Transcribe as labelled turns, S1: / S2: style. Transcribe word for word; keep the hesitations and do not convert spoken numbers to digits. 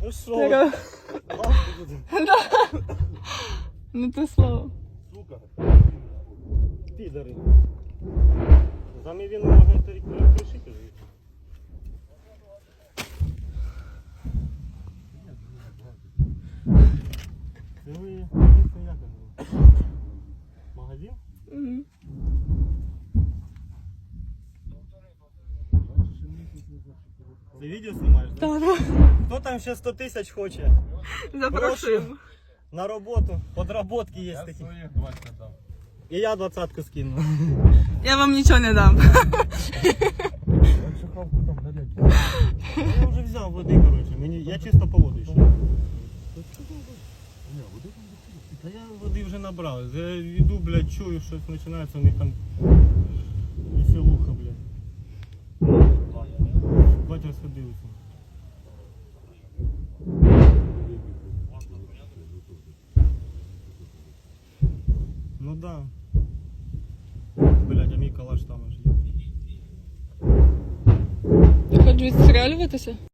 S1: Ну що?
S2: Така.
S1: Лавку буде.
S2: Да. Не те слово.
S1: Сука. Підари. Замі він може пришити. Це ви, як він? Магазин?
S2: Угу.
S1: Ти відео знімаєш, да?
S2: Так, да.
S1: Хто там ще сто тисяч хоче?
S2: Запрошуємо.
S1: На роботу, подработки є
S3: Я
S1: такі.
S3: своїх двадцять дав.
S1: І я двадцятку скину.
S2: Я вам нічого не дам.
S3: Я шахавку там налять.
S1: Я вже взяв води, коротше. Мені, я чисто по воду йшов. Та я води вже набрав. Я йду, блядь, чую, щось починається, у них там веселуха, блядь. Бать розходилися. Ну да. Блядь, а мій калаш там аж є.
S2: Ти хочеш відстрілюватися?